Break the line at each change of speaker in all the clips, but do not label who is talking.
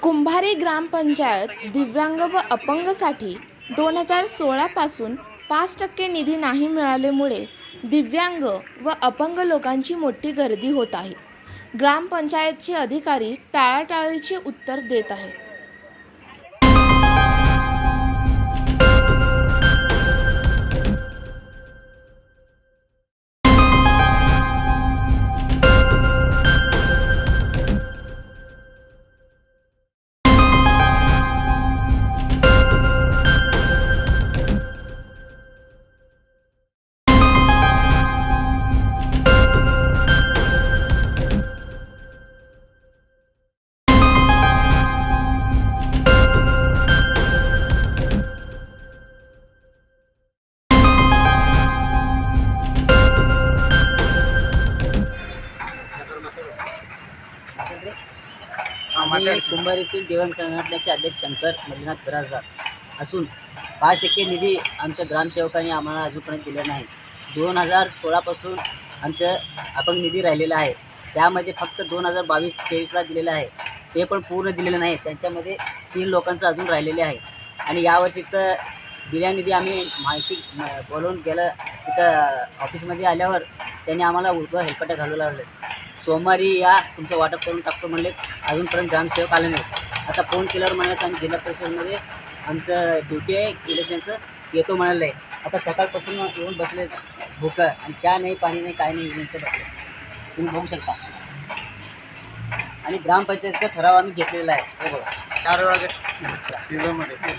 कुंभारे ग्रामपंचायत दिव्यांग व अपंगसाठी 2016 पासून 5% निधी नाही मिळाल्यामुळे दिव्यांग व अपंग लोकांची मोठी गर्दी होत आहे। ग्रामपंचायतचे अधिकारी टाळाटाळीचे उत्तर देत आहेत।
आम्ही कुंभारीतील दिव्यांग संघटनेचे अध्यक्ष शंकर मल्लीनाथ बिराजदार असून 5% निधी आमच्या ग्रामसेवकांनी आम्हाला अजूनपर्यंत दिला नाही। 2016 पासून आमचं अपंग निधी राहिलेला आहे, त्यामध्ये फक्त 2022-23ला दिलेलं आहे, ते पण पूर्ण दिलेलं नाही। त्यांच्यामध्ये 3 लोकांचं अजून राहिलेले आहे आणि यावर्षीचं दिल्या निधी आम्ही माहिती बोलवून गेलं तिथं ऑफिसमध्ये आल्यावर त्यांनी आम्हाला उलटं हेलपाट्या घालू लागले। सोमवारी या तुमचं वाटप करून टाकतो म्हणले, अजूनपर्यंत ग्रामसेवक आले नाहीत। आता फोन केल्यावर म्हणाले आम्ही जिल्हा परिषदेमध्ये आमचं ड्युटी आहे इलेक्शनचं, येतो म्हणाले। आता सकाळपासून येऊन बसले भूकं आणि चहा नाही, पाणी नाही, काय नाही, येऊन बसले, तुम्ही बघू शकता। आणि ग्रामपंचायतीचा ठराव आम्ही घेतलेला आहे, हे बघा 4 वाजे।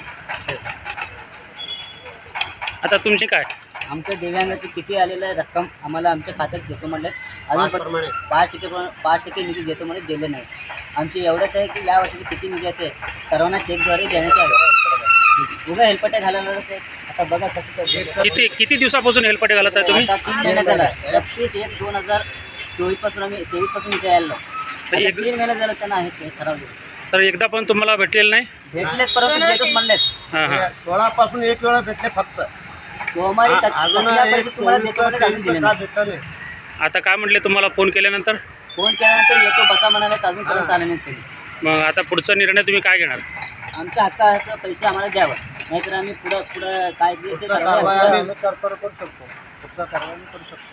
आता तुमचे काय
आमचं दिव्यांगाचं किती आलेलं रक्कम आम्हाला आमच्या खात्यात देतो म्हणले, अजून 5% निधी देतो म्हणजे दिले नाही। आमची एवढंच आहे की या वर्षाचे किती निधी येते सर्वांना चेकद्वारे देण्यात यावे। उगा हेलपट्या घालायला लागत। आता बघा कसं
किती दिवसापासून हेलपाटे घालत आहे तुम्ही?
आता 3 महिने झाला, 31/1/2024 पासून आम्ही 23 पासून इथे आलो। 3 महिने झालं त्यांना आहे ते ठरवले,
तर एकदा पण तुम्हाला भेटलेलं नाही?
भेटलेत परंतु देतच म्हणलेत।
16 पासून एक वेळा भेटले फक्त,
सोमवारी तुम्हाला देतो म्हणजे अजून दिले नाही।
आता काय म्हटले तुम्हाला फोन केल्यानंतर?
फोन केल्यानंतर येतो बसा म्हणाले, अजूनपर्यंत आले नाहीत त्यांनी।
मग आता पुढचा निर्णय तुम्ही काय घेणार?
आमच्या हक्काचं पैसे आम्हाला द्यावं, नाहीतर आम्ही पुढं काय
करू शकतो, पुढचा कारवाई करू शकतो।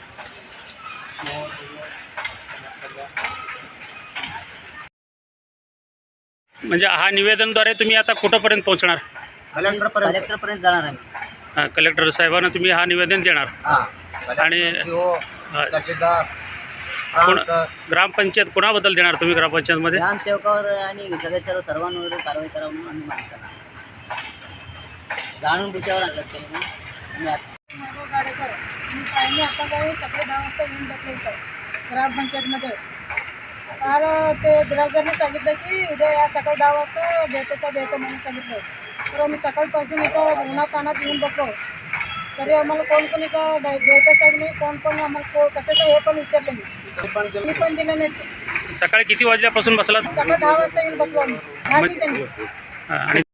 म्हणजे हा निवेदनद्वारे तुम्ही आता कुठंपर्यंत पोहोचणार?
कलेक्टरपर्यंत जाणार आम्ही।
कलेक्टर साहेबांना तुम्ही हा निवेदन देणार? आणि ग्रामपंचायत कोणाबद्दल देणार तुम्ही? ग्रामपंचायतमध्ये
ग्रामसेवकावर आणि सदस्यावर सर्वांवर कारवाई करा म्हणून आम्ही मागणी करणार। जाणून बुच्यावर आणलं त्यांनी
मी आता काही सकाळी 10 वाजता येऊन बसले इथं ग्रामपंचायतमध्ये। तर ते बिराजदारने सांगितलं की उद्या या सकाळी 10 वाजता भेटे साहेब येतो म्हणून सांगितलं। तर आम्ही सकाळपासून इथं उन्हातानात येऊन बसलो, तरी आम्हाला कोण इथं भेटे साहेब नाही, कोण आम्हाला कशाचं हे पण विचारले नाही, मी पण दिलं नाही।
सकाळी किती वाजल्यापासून बसलात?
सकाळी 10 वाजता येऊन बसलो आम्ही, 10 त्यांनी।
आणि